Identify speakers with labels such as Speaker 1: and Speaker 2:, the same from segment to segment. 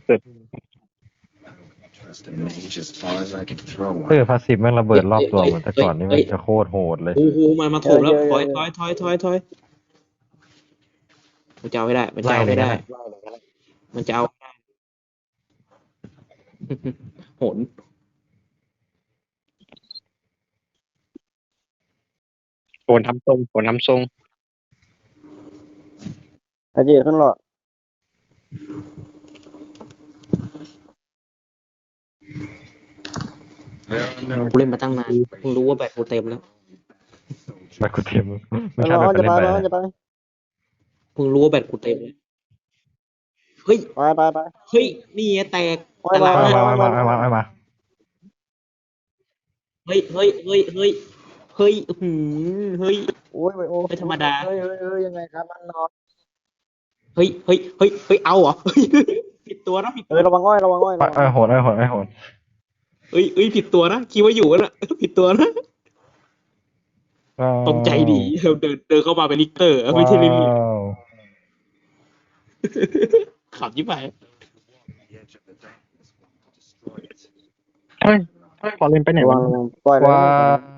Speaker 1: สุด
Speaker 2: Trust a mage as far as I can throw
Speaker 3: พาสซีฟแม่งระเบิดรอบตัวเหมือนแต่ก่อนนี่มันจะโคตรโหดเลย
Speaker 4: โอ้โหมาโถมแล้วถอยมันจะเอาไม่ได้มันจะเอาไม่ได้มันจะเอาโหน
Speaker 1: โหนทำทรงโหนทำทรง
Speaker 5: อาเจีขึ้นหลอด
Speaker 4: กูเล่นมาตั้งนานเพิ่งรู้ว่าแบตกูเต็มแล้ว
Speaker 3: ไปกูเทียม
Speaker 5: ไป
Speaker 3: ไม่ใช่
Speaker 5: ร้
Speaker 3: แบ
Speaker 5: อบ น
Speaker 3: ไป
Speaker 5: จะ
Speaker 3: เล่น
Speaker 5: ไป
Speaker 3: ไป
Speaker 5: ร้อนจะไป
Speaker 4: เพิ่งรู้ว่าแบตกูเต็มแล้วเฮ้ย
Speaker 5: ไป
Speaker 4: เฮ้ยนี่ไงแตก
Speaker 5: ไป
Speaker 4: ตาราง
Speaker 3: มา
Speaker 4: เฮ้ยเฮ้ยเฮ้ย
Speaker 5: โอ้ย
Speaker 4: ไม่ธรรมดา
Speaker 5: เฮ้ยยังไงครับมันนอน
Speaker 4: เฮ้ยเอาเหรอผิดตัวนะผิด
Speaker 5: ระวังอ้อย
Speaker 3: โหด
Speaker 4: เฮ้ยผิดตัวนะคิดว่าอยู่แล้วผิดตัวนะตกใจดีเดินเข้ามาเป็นลิกเตอร์ไม่ใช่ลิลลี่ขับยิ่งไป
Speaker 1: เฮ้ยพอเล่นไปไหน
Speaker 5: ระวั
Speaker 1: วะ
Speaker 5: งปล่อยเลย
Speaker 3: ว้าว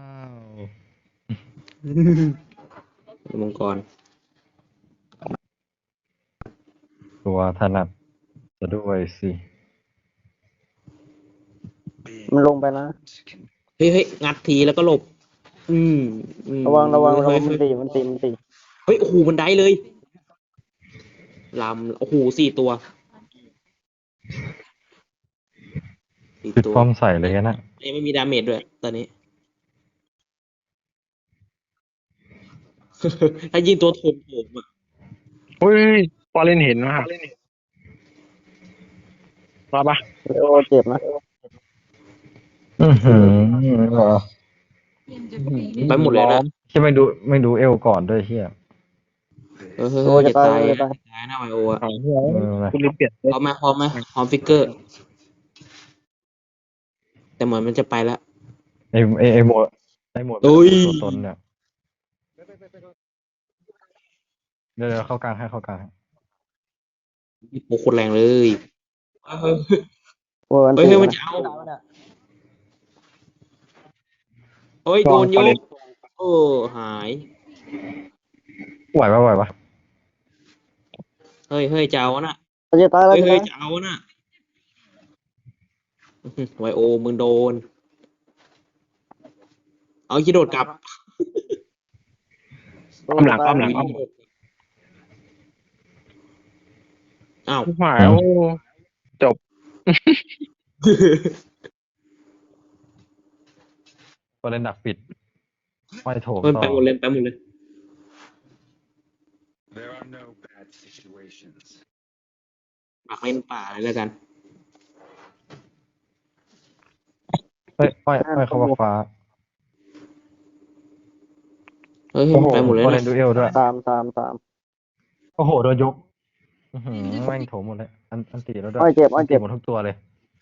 Speaker 4: มังกร
Speaker 3: ตัวถนัดจะด้วยสิ
Speaker 5: มันลงไปนะ
Speaker 4: เฮ้ยงัดทีแล้วก็หลบ
Speaker 5: ระวัง
Speaker 4: เฮ้ย
Speaker 5: มันตี
Speaker 4: เฮ้ยโอ้โหมันได้เลยลำโอ้โห4 ตัว
Speaker 3: ติดป้อมใส่เลยนะ
Speaker 4: ยังไม่มีดาเมจด้วยตอนนี้ ถ้ายิงตัวโถมอ่ะ
Speaker 1: เฮ้ยพอเล่นเห็นว่ะรอปะ
Speaker 5: โอ้เจ็บนะ
Speaker 4: ไปหมดเลยนะ
Speaker 3: ที่ไม่ดูเอวก่อนด้วยเฮีย
Speaker 4: จะตายนะไวโออ่ะ
Speaker 1: คุณลืมเปลี่ยน
Speaker 4: พร้อมไหมพร้อมฟิกเกอร์ แต่เหมือนมันจะไปแล้ว
Speaker 3: ไอหมดตัวตนเนี่ยเดี๋ยวเข้ากลางให้
Speaker 4: โอ้โคตรแรงเลยเฮ้ย
Speaker 5: โอ้ย
Speaker 4: มันจะเอาเฮ้ยโดนยกโอ้หาย
Speaker 3: ไหวปะ
Speaker 4: เฮ้ยจะเอาน่ะ
Speaker 5: จะตายแล้ว
Speaker 4: เฮ้ยจะเอาน่ะไวโอมึงโดนเอาคิดโดดกลับ
Speaker 1: ป้อมหลัง
Speaker 4: อ้าว
Speaker 1: หายโอ้
Speaker 3: ก็เล่นดักปิดไม่โถม
Speaker 4: ไปหมดเลย
Speaker 2: There are no bad situations.
Speaker 4: ปักเล่นป่าเลยแล้วกัน
Speaker 3: เฮ้ยเข้าฟ้า
Speaker 4: เฮ้ยไปหมดเลย
Speaker 3: ก็
Speaker 4: นะ
Speaker 3: เล่นดูเอลด้วย
Speaker 5: ตาม
Speaker 3: โอ้โหโดนยกแม่งโถมหมดเลยอันตีแล้วด้วย
Speaker 5: อ้อยเจ็บ
Speaker 3: หมดทุกตัวเลย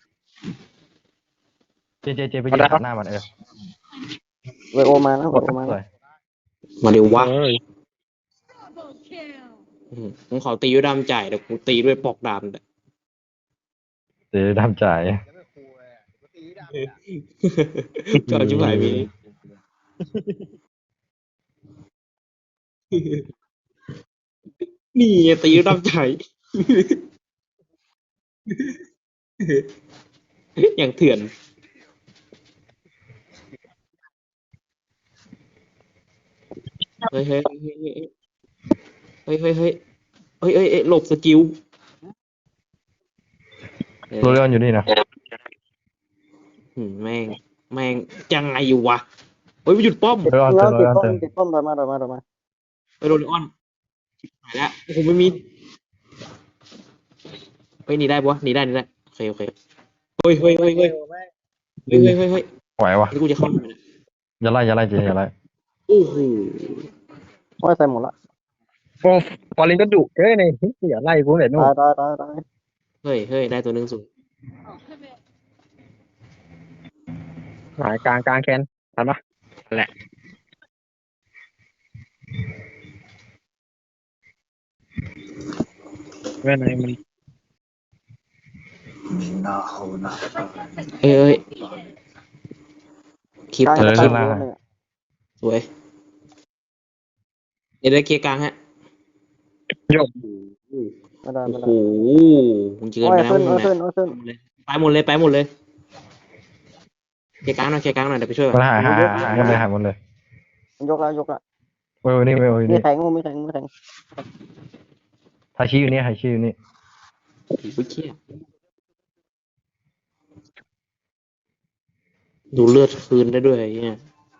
Speaker 3: เจไปยืนตัดหน้ามัน
Speaker 5: ไวโอมานะ
Speaker 3: สวย
Speaker 4: มาเร็ววะ
Speaker 1: เฮ้ย
Speaker 4: ผมขอตีด้วยดามจ่ายแต่กูตีด้วยปอกดามแต่
Speaker 3: เจดำจ่าย
Speaker 4: ก็เอาชิบหายไปนี่ตีด้วยดามจ่ายอย่างเถื่อนเฮ้ยหลบสกิล
Speaker 3: โรเลออนอยู่นี่นะ
Speaker 4: แม่งยังไงอยู่วะเฮ้ยหยุดป้อม
Speaker 3: โรเลออนเต็ม
Speaker 5: ติดป้อมมา
Speaker 4: ไปโรเลออนหายแล้วโอ้โหไม่มีเฮ้ยหนีได้ปะหนีได้โอเคเฮ้ย
Speaker 3: ไหววะ
Speaker 4: นี่กูจะเข้าไปนะ
Speaker 3: อย่าไล่เจอย่าไล่
Speaker 4: โอ้โห
Speaker 5: อ้อยใส่หมดละ
Speaker 1: โอ้พอเล่นก็ดุเอ้ยเนี่ยอย่าไล่กูเลยนู่น
Speaker 5: ตาย
Speaker 4: เฮ้ยได้ตัวหนึ่งสูง
Speaker 1: หายกลางแคนทันปะแหละเว้ยไหนมัน
Speaker 4: เอ้ยเอ้ยคลิป
Speaker 5: กลาง
Speaker 4: ทำ
Speaker 5: จะ
Speaker 4: ค
Speaker 5: ตั้
Speaker 4: ลิ
Speaker 5: ง
Speaker 4: ป
Speaker 5: อยู่เนี่ย
Speaker 4: สวยเดี๋ยวได้เคลียร์กลางฮะ
Speaker 1: โยก
Speaker 5: ไม่ได้
Speaker 4: โอ้
Speaker 5: ไม่
Speaker 4: โห
Speaker 5: ได้
Speaker 4: มึงเกิน
Speaker 5: โอ้
Speaker 4: ไป
Speaker 5: ย
Speaker 4: นะ
Speaker 5: ขึ้น
Speaker 4: มึง
Speaker 5: ขึ้
Speaker 4: นะ
Speaker 5: นขึ้น
Speaker 4: ไปหมดเลยไปหมดเลยเคลียร์กลางหน่อยเคลียร์กลางหน่อยเดี๋ยวไปช่วยก่
Speaker 3: มั
Speaker 4: อน น
Speaker 3: หายหมดเลย
Speaker 5: มันยกแล้วยกแล้ว
Speaker 3: เว้ยนี่เว้ย
Speaker 5: มี
Speaker 3: นี่
Speaker 5: แข็งมีแข็งมีแข็ง
Speaker 3: ไฮชี้อยู่นี่ไฮชี้อยู่นี่
Speaker 4: โอ้โหเชี่ยดูเลือดคืนได้ด้วยไอ้เนี่ย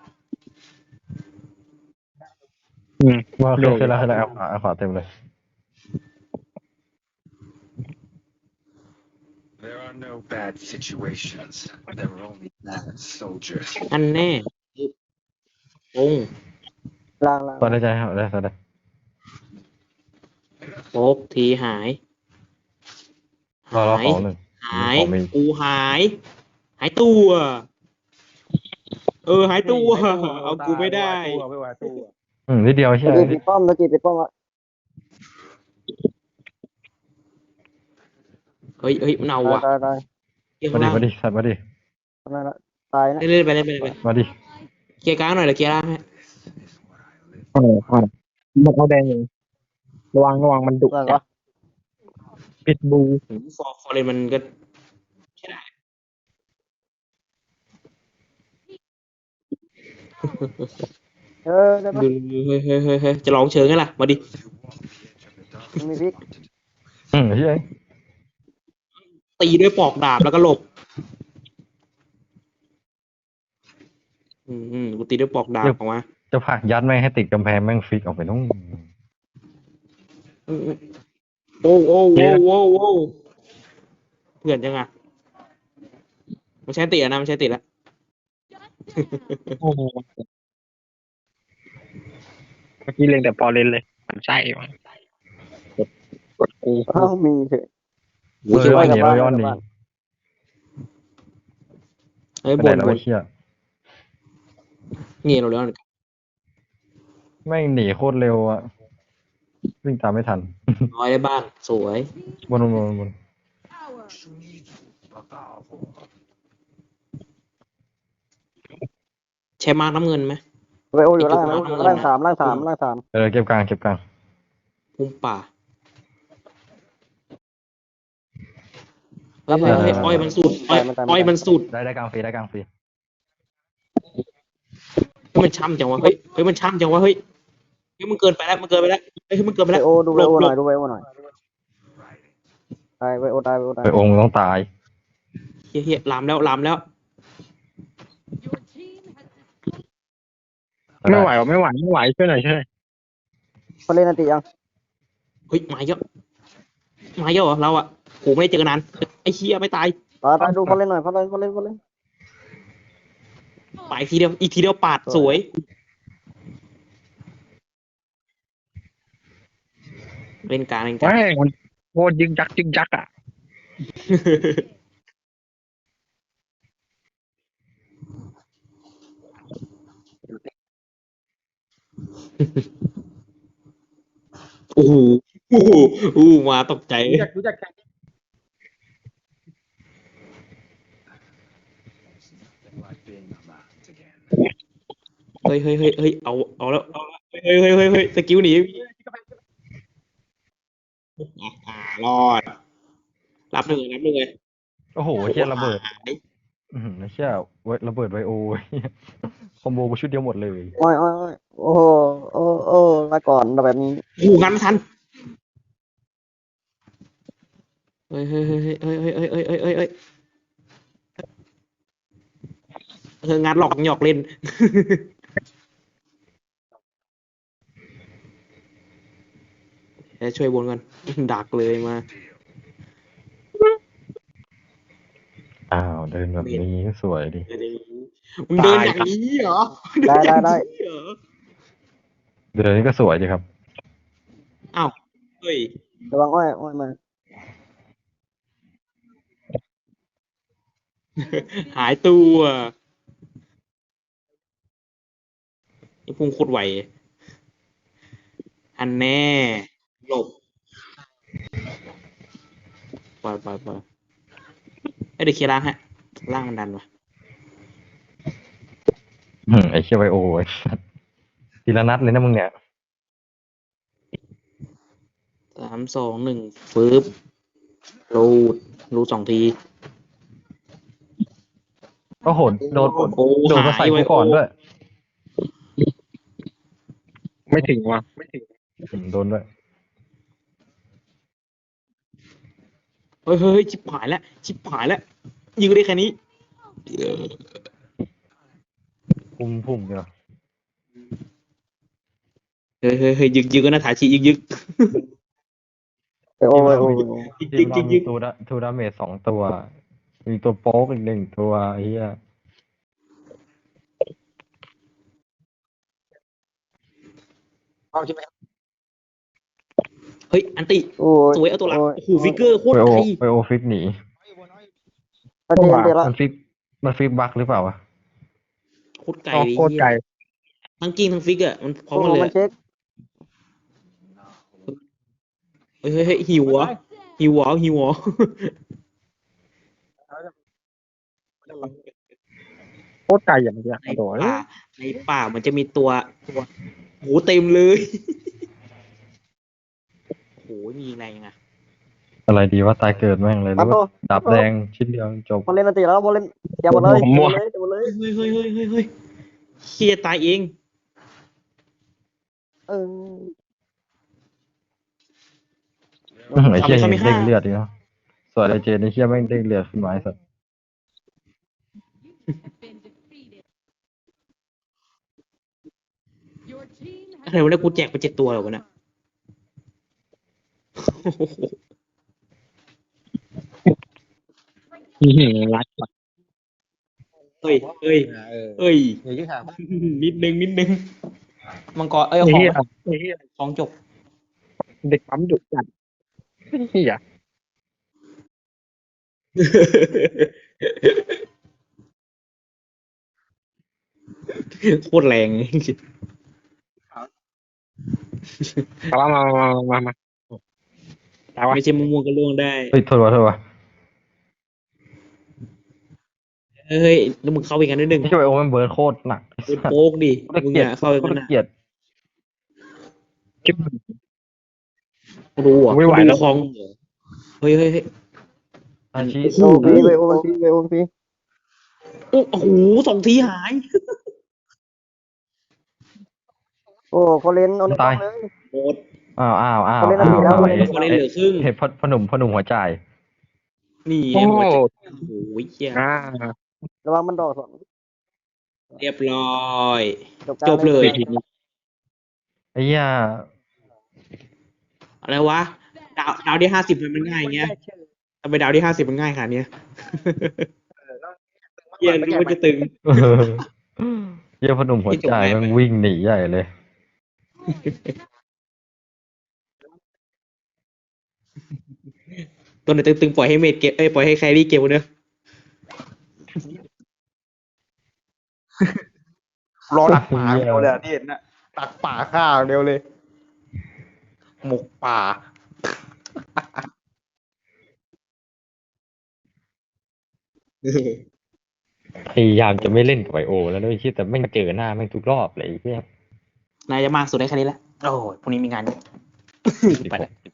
Speaker 3: ว่าเคยแล้วเอาขวาเต็มเลย
Speaker 2: There are no bad situations. There are only bad soldiers.
Speaker 4: อันแน่โป้ง
Speaker 5: ล่าง
Speaker 3: ตอนได้ใจครับได้ตอนได้
Speaker 4: โป๊กทีหาย
Speaker 3: รอ
Speaker 4: หาย
Speaker 3: ของหนึ่ง
Speaker 4: หาย
Speaker 3: ของมี
Speaker 4: กูหาย หายตัว หายตัว เอากูไม่ได้
Speaker 3: นิดเดียว
Speaker 5: ตะ
Speaker 3: เชี่ย
Speaker 5: กี้ปิดป้อมตะกี้ปิดป้อมละ
Speaker 4: เฮ้ยมันเอาว่ะ
Speaker 5: ตาย
Speaker 4: เกี่ยว
Speaker 3: มาดิ
Speaker 4: ล่าง
Speaker 3: มาดิสัตว์มาดิ
Speaker 5: นั่นละตายนะ
Speaker 4: เล่นไปเล่นไป
Speaker 3: มาดิ
Speaker 4: เคลียร์กลางหน่อยเดี๋ยวเคลียร์ล่างให้
Speaker 1: มันเอาแดงอยู่ระวังมันดุ
Speaker 5: ล่าง
Speaker 1: จั
Speaker 5: ก็
Speaker 1: ดพิทบู
Speaker 4: ฟอร์เรนมันก็ใช่ได้
Speaker 5: ได้ปะ
Speaker 4: ดูเฮ้ยจะลองเชิงไงล่ะ มาดิ
Speaker 5: มีพริก
Speaker 3: เชี่ย
Speaker 4: ตีด้วยปอกดาบแล้วก็หลบ กูตีด้วยปอกดาบออกมา
Speaker 3: จะผลักยัดแม่งให้ติดกำแพงแม่งฟิกออกไปนู่น
Speaker 4: โอ้เพื่อนจังอ่ะมันใช้ติดแล้วนะมันใช้ติดแล้ว
Speaker 1: โอ้โหเมื่อกี้เล็งแต่พอเล่นเลยมันใช่วะกดกู
Speaker 5: อ้าวมีเฉย
Speaker 3: เฮ้ยย้อนหนีย้อนหนี
Speaker 4: เฮ้ย
Speaker 3: ไป
Speaker 4: บ
Speaker 3: ไหน
Speaker 4: น
Speaker 3: แล้ว
Speaker 4: บ
Speaker 3: ไอ้
Speaker 4: น
Speaker 3: เชี่ย
Speaker 4: เงี้ยเราแล้ว
Speaker 3: แม่งหนีโคตรเร็วอ่ะวิ่งตามไม่ทัน
Speaker 4: น้อยได้บ้านสวย
Speaker 3: บน
Speaker 4: ใช้มาร์กน้ำเงินไหม
Speaker 5: ไวโออยู่ล่าง3ล่าง
Speaker 3: เก็บกลาง
Speaker 4: พุ่มป่าเฮ้ยอ้อยมันสุดอ้อยมันสุด
Speaker 3: ได้กลางฟรี
Speaker 4: มันช่ำจังวะเฮ้ยมันช่ำจังวะเฮ้ยมันเกินไปแล้วเฮ้ยมันเกินไป
Speaker 5: ไว
Speaker 4: แล้ว
Speaker 5: โอดูไวโอหน่อยตายไวโอตาย
Speaker 3: ไปองค์ต้องตาย
Speaker 4: เฮียลามแล้ว
Speaker 1: ไม่ไหวช่วยหน่อย
Speaker 5: เขาเล่นอันติยัง
Speaker 4: เฮ้ยมาเยอะเหรอเราอ่ะโหไม่ได้เจอกันนานไอ้เฮียไม่ตาย
Speaker 5: ตายดูเขาเล่นหน่อยเขาเล่น
Speaker 4: ไปอีกทีเดียวปาดสวยเล่นกลาง
Speaker 1: แม่งมันโคตรยึกยักอ่ะ
Speaker 4: โอ้โหมาตกใจ
Speaker 5: รู้จัก
Speaker 2: Like being unlocked again.
Speaker 4: เฮ้ยเอาแล้วเฮ้ยสกิลหนีรอดรับหนึ่งเลย
Speaker 3: โอ้โหเชี่ยระเบิด
Speaker 4: หาย
Speaker 3: เชี่ยระเบิดไวโอคอมโบกูชุดเดียวหมดเลย
Speaker 5: อ้อยโอ้โอ้มาก่อนแบบนี้
Speaker 4: โอ้โหงันไม่ทันเฮ้ยงานหลอกหยอกเล่น ช่วยบนกันดักเลยมา
Speaker 3: อ้าวเดินแบบนี้สวยดิ
Speaker 4: มึงเดินอย่างนี้เหรอ
Speaker 5: ได้
Speaker 3: เดินนี้ก็สวยดีครับ
Speaker 4: อ้าวเฮ้ย
Speaker 5: ระวังอ้อยมา
Speaker 4: หายตัวนี่พุ่งโคตรไวอันแน่หลบไปเดี๋ยวเคลียร์ล่างฮะล่างมันดันวะ
Speaker 3: ไอ้เชี่ยไวโอไอ้สัสทีละนัดเลยนะมึงเนี่ย
Speaker 4: 3 2 1ฟืบรูด2 ที
Speaker 3: ก็โหดโดน
Speaker 4: โอ้
Speaker 3: โดนมาใส่กูก่อนด้วย
Speaker 1: ไม่ถึงว่ะไม่ถึง
Speaker 3: โดนด้วย
Speaker 4: เฮ้ยชิบหายแล้วยิงได้แค่นี้
Speaker 3: พุ่มเดียว
Speaker 4: เฮ้ยยึกก็น่าถ่ายชียึก
Speaker 5: ไอโอไอโอ
Speaker 3: ทีมเรามีทูดาเมจ2 ตัว มีตัวโป๊กอีก1 ตัวไอ้เหี้ย
Speaker 4: เฮ้ยอันติ
Speaker 5: โอ้ย
Speaker 4: สวยเอาตัวหลัก
Speaker 5: โอ้ย
Speaker 4: โอ้โหฟิกเกอร์โคต
Speaker 3: ไว
Speaker 4: ร
Speaker 3: โอ
Speaker 4: ไกล
Speaker 3: ไวโอฟิกหนี
Speaker 5: อันนี้เดี๋ยวละ
Speaker 3: มันฟิกบักหรือเปล่าวะ
Speaker 4: โคตรไกล
Speaker 1: อ๋อ
Speaker 4: เลย
Speaker 1: โคตรไกล
Speaker 4: ทั้งกิ้งทั้งฟิกอ่ะมันพร้อม
Speaker 5: โอ้
Speaker 4: กันเลย
Speaker 5: มัน
Speaker 4: อะ
Speaker 5: เช็ค
Speaker 4: เฮ้ยหิวเหรอ
Speaker 1: โคตรไกลอย่างเงี้ย
Speaker 4: ใน
Speaker 1: โอ้โห
Speaker 4: ป่ามันจะมีตัวโหเต็มเลยโหมียิงแรงยังไง
Speaker 3: อะไรดีว่าตายเกิดแม่งเลยห
Speaker 5: มา
Speaker 3: รือ
Speaker 5: โต
Speaker 3: ว่าดับแดงชิ้นเดียวจบ
Speaker 5: บอลเล่นอันตีแล้วบอลเล่นเดี๋ยวหมดเลยเดี๋ยวหมดเลย
Speaker 4: เฮ้ยเฮียตายเอง
Speaker 5: เออ
Speaker 3: ไอ้เชี่ยยังเด้งเลือดอีกเนาะส่วนไอ้เจนไอ้เชี่ยแม่งเด้งเลือดขึ้นมาไอ้สัส
Speaker 4: อะไรวะเนี่ยกูแจกไป7 ตัวเหรอวะเนี่ย
Speaker 1: รัด
Speaker 4: เฮ้ย นิดนึงมังกร
Speaker 1: ไอ้
Speaker 4: เอาของ
Speaker 1: เหี้ยไอ้เหี้ย
Speaker 4: ของจบ
Speaker 1: เด็กปั๊มดุจัดเหี้ย
Speaker 4: โคตรแรง
Speaker 1: มาแต่ว่า
Speaker 4: ไม่ใช่ม่วงๆก็ล่วงได้
Speaker 3: เฮ้ยโทษวะ
Speaker 4: เฮ้ยแล้วมึงเข้าไปกันนิดนึง
Speaker 3: ไอ้เชี่ยไวโอมันเบิร์ดโคตรหนัก
Speaker 4: เป็นโป๊กดิ
Speaker 3: กู
Speaker 4: มึง
Speaker 3: เกลียด
Speaker 4: อะเข้าไป
Speaker 3: กู
Speaker 4: กันนะ
Speaker 3: เกลียด
Speaker 1: คิด
Speaker 4: รู้อ่ะ
Speaker 1: ไม่ไหวแล้ว
Speaker 4: คลองเฮ้ย
Speaker 3: อาชี
Speaker 5: โอ้ฟีเวโอมันฟีเวโอมันฟี
Speaker 4: โอ้โห2 ทีหาย
Speaker 5: โอ้เขาเล่นเอาเลย
Speaker 4: โคตร
Speaker 3: อ้าว
Speaker 5: เขาเล่นอันนี้แล้ว
Speaker 4: เขาเล่นเหลือครึ่ง
Speaker 3: เห็นพอหนุ่มหัวใจ
Speaker 4: นี่
Speaker 1: โอ้
Speaker 4: ไง
Speaker 1: โห
Speaker 4: หัวใจโอ้โหเหี้ย
Speaker 5: ระวังมันดอกสอง
Speaker 4: เรียบร้อย
Speaker 5: จบ
Speaker 4: เลย
Speaker 3: ไอ้เหี้ย
Speaker 4: อะไรวะ ดาวที่50มันง่ายอย่างเงี้ยทำไมดาวที่50มันง่ายขนาดเนี้ยเหี้ยรู้ว่าจะตึง
Speaker 3: เออเหี้ยพอหนุ่มหัวใจแมันวิ่งหนีใหญ่เลย
Speaker 4: ตัวไหนตึงๆปล่อยให้เมดเก็บปล่อยให้แครี่เก็บเนอะ
Speaker 6: รอดักป่าเดียวเลยอะที่เห็นน่ะดักป่าข้าวเดียวเลย หมกป่า
Speaker 3: พยายามจะไม่เล่นกับไวโอ แล้วด้วยที่แต่ไม่งเจอหน้าแม่งทุกรอบเลยไอ้เหี้ย
Speaker 4: นายจะมากสุดได้แค่นี้แหละโอ้ยพรุ่งนี้มีงานเยอะไปแล้ว